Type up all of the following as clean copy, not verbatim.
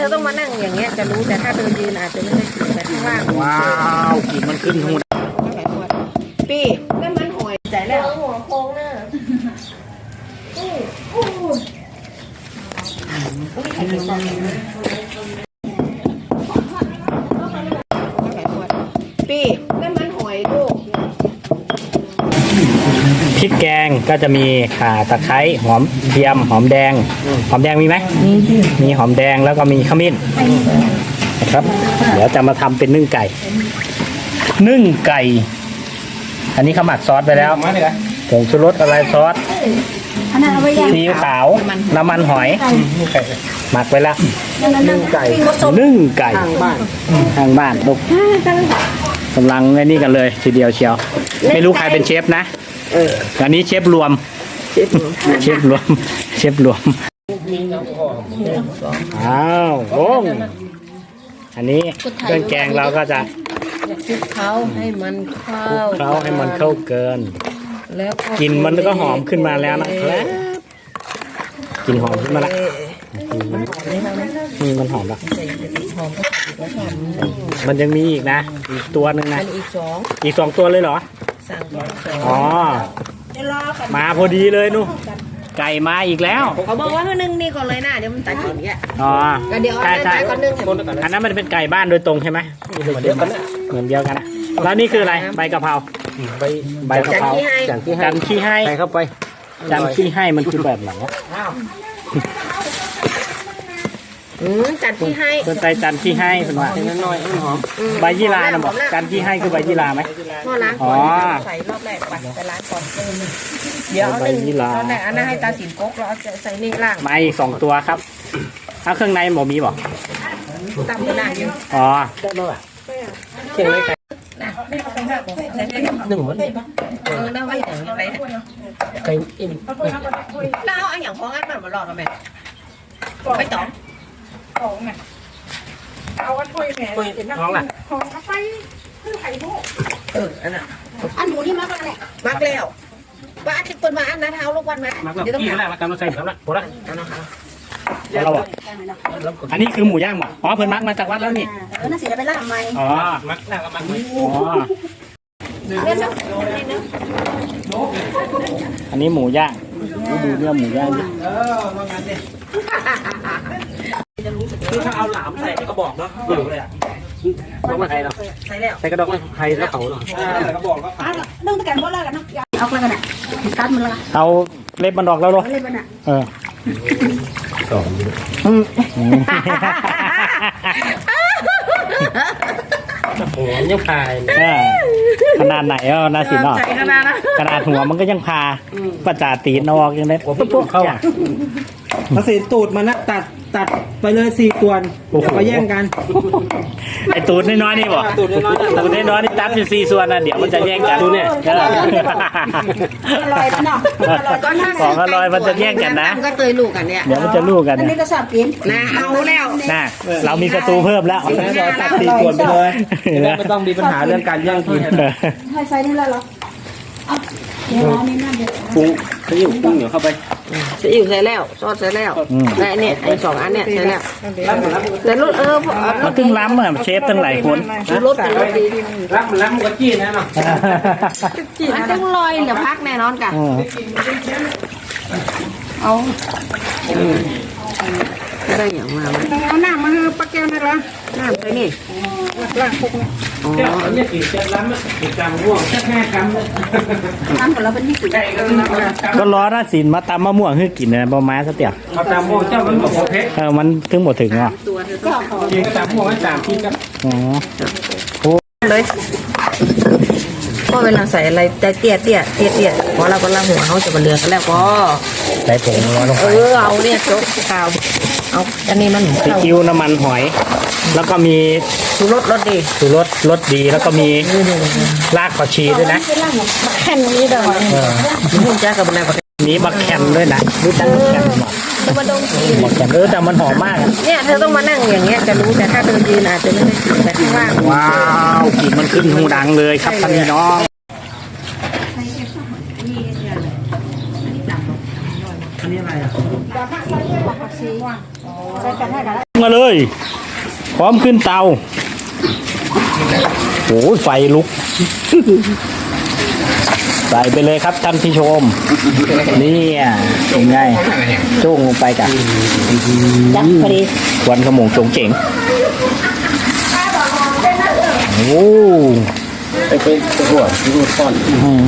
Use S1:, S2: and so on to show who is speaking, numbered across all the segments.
S1: เธอต้องมานั่งอย่างเงี้ยจะรู้แต่ถ้าเธอยืนอาจจะไม่ได้แต่ข้างล่าง
S2: ว้าวกลิ่นมันขึ้นหู
S1: พี่นั่นมันหอยใจแล้วหัวโค้งเนอะพี่นั่นมันหอยลูก
S2: พริกแกงก็จะมีข่าตะไคร้หอมเทียมหอมแดงมีไหมมีหอมแดงแล้วก็มีขมิ้นนะครับเดี๋ยวจะมาทำเป็นนึ่งไก่อันนี้เขาหมักซอสไปแล้วผงชูรสอะไรซอสซีอิ๊วขาวน้ำมันหอยหมักไปแล้วนึ่งไก่ทางบ้านลูกกำลังไอ้นี่กันเลยทีเดียวเชียวไม่รู้ใครเป็นเชฟนะอันนี้เชฟรวมอ้าวโอ้งอันนี้เครื่องแกงเราก็จะ
S1: คลุกเคล้าให้มัน
S2: เข้าเกินแล้วกลิ่นมันก็หอมขึ้นมาแล้วนะครับกลิ่นหอมขึ้นมาแล้วมันหอมแล้วมันยังมีอีกนะอีกตัวหนึ่งนะอีกสองตัวเลยเหรออ๋อมาพอดีเลยนู่ไก่มาอีกแล้ว
S1: เขาบอกว่านึ่งนี่ก่อนเลยนะเดี๋ยวมันตายก่อนเนี่ย
S2: อ๋อ
S1: เดี๋ยวใช่ก่อนนึ่ง
S2: อันนั้นมันเป็นไก่บ้านโดยตรงใช่ไหมเหมือนเดียวกันนะแล้วนี่คืออะไรใบกะเพราใบกะเพราจันขี้ให้ใส่เข้าไปจันขี้ให้มันคือแบบไหน
S1: จันที่ให้
S2: สนใจจันที่ให้เป็นว่าน้อยหอมใบยี่ลานะบอกจันที่ให้คือใบยี่ลาไหม
S1: พ่อล้างก่อนใส่รอบแรกไปล้างก่อนเดี๋ยวใบยี่ลาอันนั้นให้ตาสินก๊กเราจะใส่นี่ล่าง
S2: มาอีก2 ตัวครับเอาเครื่องในหมูมีบอก
S1: ตำหน้าอยู่
S2: อ๋อได้ไหมวะเคี่ยงเลยหนึ่งวัน
S1: ได้ไว้อย่างไร
S2: ไก่อิ่ม
S1: แล้วเอาอย่างพองั้นมันมาหลอดเราไหมไม่ต้อง
S3: ไงเอาอันถ้วยแม่
S2: ท้องล่ะ
S3: ของเอาไปคือไข่โม่
S1: อันหมูนี่มักแล้วแหละมักแล้วว่าอันที่เปิดมาอันนั้นเท้าลูกวันไหม
S2: เดี๋ยวต้องหาแล้วกำลังใส่ครับละพอละเราบอกอันนี้คือหมูย่างหรออ๋อเพิ่นมักมาจากวัดแล้วนี่
S1: น่าเสียไปล่าทำไม
S2: อ๋อมักแล้วก็มักอ๋ออันนี้หมูย่างดูเนื้อหมูย่างดิคือถ้าเอาหลามใส่ในกระบอกเนาะอยู่เลยอ่ะต้องมาไทยเนาะใส่กระดองไทยแล้วเขาเนาะใส่กระบอกก็ขาย
S1: ต้องตะการบ่ละกันเนาะเอาอะไรกันอ่ะตัดมันละ
S2: เอาเล็บมันดอกแล้วหรอ
S1: เล็บมันอ่ะ
S2: โอ้ยยังพายขนาดไหนอ่ะนาสินอ่ะขนาดหัวมันก็ยังพาประจาตีนออกยังได้ปุ๊บเข้า
S4: นาสินตูดมันนะตัดไปเลย4 ส่วนมาแย่งกัน
S2: ไอตูดน้อยๆนี่บอกตูดน้อยๆนี่ตัดเป็น4 ส่วนนะเดี๋ยวมันจะแย่งกันดูเนี่ย
S1: อร่อยเนาะ
S2: ของอร่อยมันจะแย่งกันนะ
S1: ก็เคยลูกกันเนี่ย
S2: เดี๋ยวมันจะลูกกัน
S1: อันนี้ก็ชอบกินนะเอาแล้ว
S2: นะเรามีศัตรูเพิ่มแล้ว
S4: ตัด4 ส่วนไปเลยไม่ต้องมีปัญหาเรื่องการแย่งกิน
S1: ให้ใส่นี่แล้วเหรอเดี๋ยวนี่น่าจะ
S4: ปรุงซีอิ๊วปรุงเดี๋ยวเข้าไป
S1: ซีอิ๊วใส่แล้วซอสใส่แล้วและเนี่ยไอ้2 อันเนี่ยใส่แล้วแต่รส
S2: มันตึ้งล้ำอ่ะเชฟตั้งหลายคน
S1: รสดี
S4: ล้ำก็จี้นะเนาะ
S1: มันต้องลอยเดี๋ยวพักแน่นอนกันเอาได้อย่างมา
S3: เอาหน้ามาปลาแก้วนี่ละ
S1: น้ำใส่นี่
S3: ล้างพวกนี้
S4: เนี่ยกี่เจ็ดล้ำกี่กรัมม่วงแค่5 กรัม
S1: ทำกับเราเป็นที่สุด
S2: ก็ร้อนนะสินมาตำมะม่วงให้กินนะบะม้าซะเตี่ย
S4: ตำม่วงเจ้ามันหมดเพชร
S2: มันถึงหมดถึงอ่ะ
S4: กินตำม่วง3 ที่ครับ
S2: อ๋อ
S1: เลยก็เวลาใส่อะไรแต่เตี้ยพอเราก็ล้างหัวเขาจะมาเลือกกันแล้วก็
S2: ใส่ผงร้อนลงไป
S1: เอาเนี่ยจกข้าวเอาอันนี้มัน
S2: ซีอิ๊วน้ำมันหอยแล้วก็มี
S1: ชูรสรส
S2: ดีแล้วก็มีรากผักชีด้วยนะ
S1: แค่นี้เด้อมุ่งจ้ากับอะไร
S2: นี้บักแคนด้วยนะรู้จักบักแคนหรอ
S1: มันต้องกิน
S2: บักแคนแต่มันหอมมาก
S1: เนี่ยเธอต้องมานั่งอย่างเงี้ยจะรู้แต่ถ้าเธอยืนอาจจะไม่ได้แต่ข้างล่าง
S2: ว้าวกลิ่นมันขึ้นหูดังเลยครับท่านพี่น้องอันนี้อะไรอ่ะมาเลย พร้อมขึ้นเตาโอ้ยไฟลุก ใส่ไปเลยครับท่านผู้ชมนี่เป็นไงจ้งลงไปกัน
S1: จับพอดี
S2: ควันขโมงจงเจ๋งโอ้
S4: ไปเป็นหัวรูดก้อน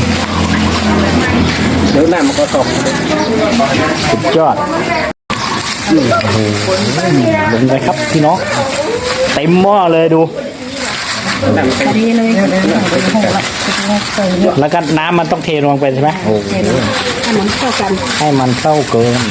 S4: เดี๋ยวน้ำมันก็ตก
S2: สุดยอดโอ้โหลงเลยครับพี่น้องเต็มหม้อเลยดู
S1: พอดีเลย
S2: แล้วก็น้ำมันต้องเทลงไปใช่ไหมโอ้โห
S1: ให้มันเข้ากัน
S2: ให้มันเข้าเกิน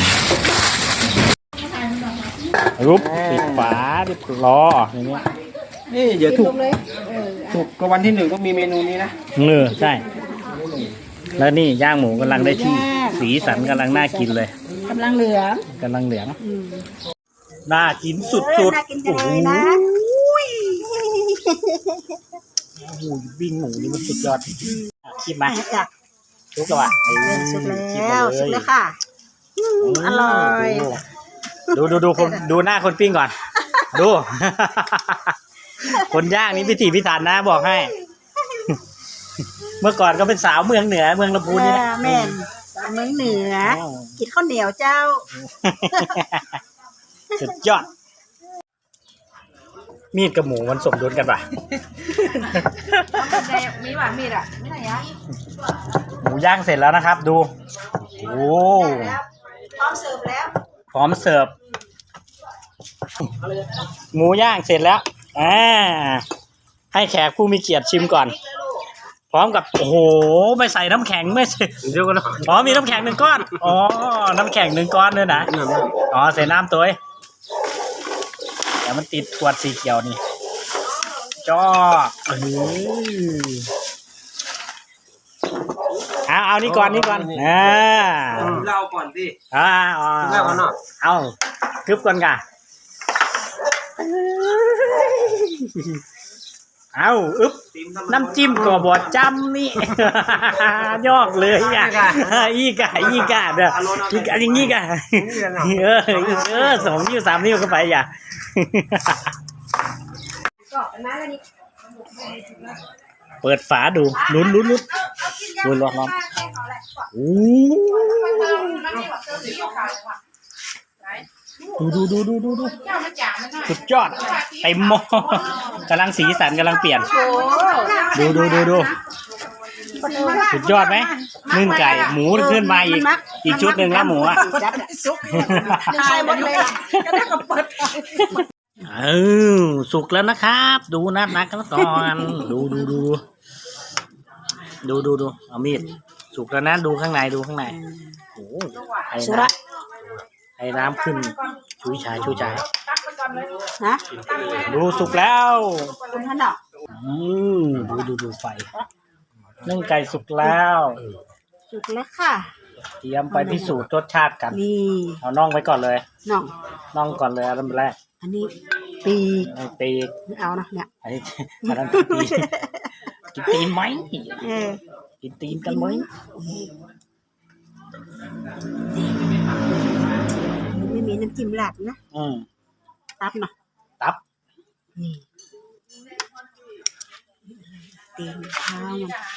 S2: รูปปิดฝาดิบล้ออย่างนี้
S4: นี่เดี๋ยวถูกก็วันที่1ต้องมีเมนูนี้นะ
S2: ใช่ แล้วนี่ย่างหมูกำลังได้ที่ สีสันกำลังน่ากินเลย
S1: กำลังเหลือง
S2: กำลังเหลืองน่ากินสุดๆ
S1: น่ากินจังเลยนะ
S2: โอ้โหวิ่งหมูนี่มันสุดยอดจริงๆคิดไหม
S1: จ้ะ
S2: ทุกแล้วอ่ะ
S1: สุกแล้วสุกแล้วค่ะอร่อย
S2: ดูคนดูหน้าคนปิ้งก่อน ดู คนย่างนี่พิถีพิถันนะบอกให้ เมื่อก่อนก็เป็นสาวเมืองเหนือเมืองลำพูนนี่นะ
S1: แม่นเมืองเหนือกินข้าวเหนียวเจ้า
S2: สุดยอด มีดกับหมูมันสมดุลกันป่ะ
S3: มีหวานมีดอ่ะไม่ไหนอ่ะ
S2: หมูย่างเสร็จแล้วนะครับ ดูโอ้
S1: พร้อมเสิร์ฟแล้ว
S2: พร้อมเสิร์ฟหมูย่างเสร็จแล้วให้แขกผู้มีเกียรติชิมก่อน พร้อมกับโอ้โหไม่ใส่น้ำแข็งไม่ใส่เดี๋ยวก่อนอ๋อมีน้ำแข็ง1 ก้อนอ๋อน้ำแข็ง1 ก้อนด้วยนะอ๋อใส่น้ำตัวเดี๋ยวมันติดขวดสีเขียวนี่จ้อเอานี่ก่อน
S4: เราก่อนสิ
S2: เล่าก่อนเนาะเอากึบก่อนกะเอาอึ๊บน้ำจิ้มก็บดจำนี่ ยอกเลยอ่ะอีกะเด้ออีกะอย่างงี้กะ2 นิ้ว 3 นิ้วเข้าไปอย่าเปิดฝาดูลุ้นร้อนโอ้ดูสุดยอดเต็มหม้อกำลังสีสันกำลังเปลี่ยนดูสุดยอดไหมนึ่งไก่หมูขึ้นมาอีกชุดหนึ่งแล้วหมูอ่ะ
S1: ใช่หมดเลยก็ได้กับเปิด
S2: สุกแล้วนะครับ ดูนักกันก่อนดูเอามีดสุกแล้วนะดูข้างในโอ้สุระไอ้น้ำขึ้นชุยชาย
S1: นะ
S2: ดูสุกแล้ว
S1: คุณท่านดอก
S2: ดูไฟนึ่งไก่สุกแล้ว
S1: สุกแล้วค่ะ
S2: เตรียมไปพิสูจน์รสชาติกัน
S1: นี่
S2: เอาน่องไว้ก่อนเลย
S1: น่อง
S2: ก่อนเลยอันแรก
S1: อันนี้ปีก
S2: ปีก
S1: ไม่เอานะเนี่ย
S2: อันนั้นปีกกินตีนไหมกินตีนกันไหม
S1: ไม่มีน้ำจิ้มหลักนะตับเนาะ
S2: ตับ
S1: นี่ตีนข้าว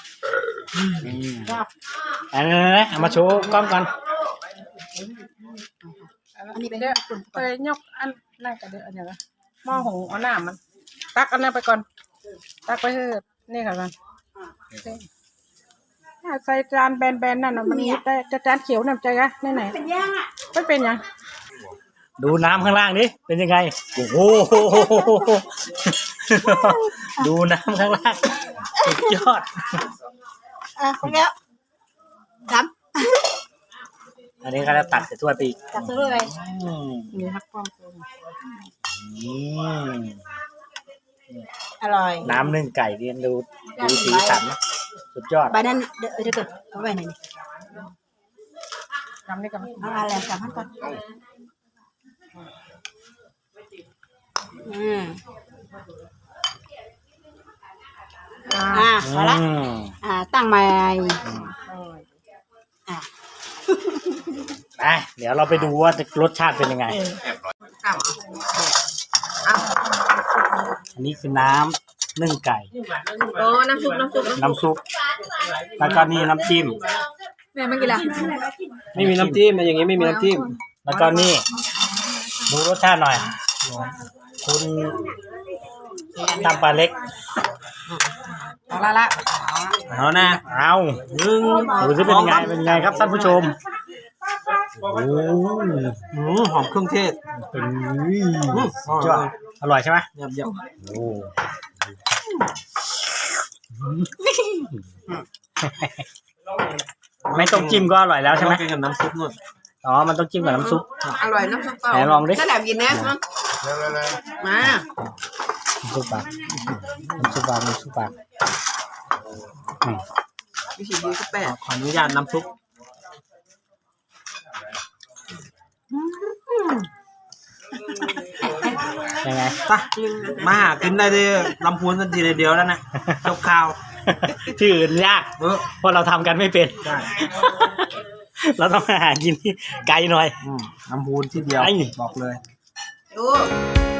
S2: อันนี้เอามาโชว์กล้องก่อน
S3: อันนี้เป็นไปยกอันนั่นกันเดี๋ยวอันนี้ละหม้อหงเอาน้ำมันตักอันนั้นไปก่อนตักไปเถอะนี่ค่ะมันใส่จานแบนๆนั่นน่ะมันจะจานเขียวน้ำใจอะไหน
S1: เป็นย่างอ่ะ
S3: ไม่เป็นยัง
S2: ดูน้ำข้างล่างดิเป็นยังไงโอ้โหดูน้ำข้างล่างสุดยอด
S1: คุณแก้วดำ
S2: อันนี้ก็จะตักใส่ถ้วยไปอีก
S1: ตักใส่ถ้วยไปนี่ฮักป้องอร่อย
S2: น้ำนึ่งไก่เรียนดูสีสันสุดยอด
S1: ใบนั้นเดี๋ยวเกิดเอาไว้ไหนนี่
S3: ทำนี่กัน
S1: เอาอะไรทำให้ก่อนพอละตั้งใหม่
S2: เดี๋ยวเราไปดูว่ารสชาติเป็นยังไงอันนี้คือน้ำนึ่งไก่
S1: โอ้น้ำซุป
S2: น้ำซุปแล้วก็นี่น้ำจิ้ม
S1: แม่ไม่กินละ
S4: ไม่มีน้ำจิ้มอย่างงี้ไม่มีน้ำจิ้ม
S2: แล้วก็นี่ดูรสชาติหน่อยคุณตำปลาเล็ก
S1: เอาละ
S4: เอานะ
S2: เอาดูสิเป็นไงครับท่านผู้ชมโอ้
S4: หอมเครื่องเทศ
S2: เป็นจ้ะอร่อยใช่ไหม
S4: เยี่ยม
S2: โอ้ไม่ต้องจิ้มก็อร่อยแล้วใช่ไหม
S4: กินกับน้ำซุปนู่น
S2: อ๋อมันต้องจิ้มกับน้ำซุป
S1: อร่อยน้ำซุปเปล่า
S2: ไหนลองดิ
S1: ถ้าแหลมกินแน่มั้งมา
S2: น้ำซุปปากอืม
S1: วิธีดีก็แปด
S4: ขออนุญาตน้ำซุป
S2: ยังไง
S4: ไปมาหากินได้ที่ลำพูนทันทีเดียวแล้วนะจบข่าว
S2: ที่อื่นยากเพราะเราทำกันไม่เป็น
S4: ใช่
S2: เราต้องหากินที่ไกลหน่อย
S4: ลำพูนที่เดียว
S2: ไอ้
S4: บอกเลย
S1: ดู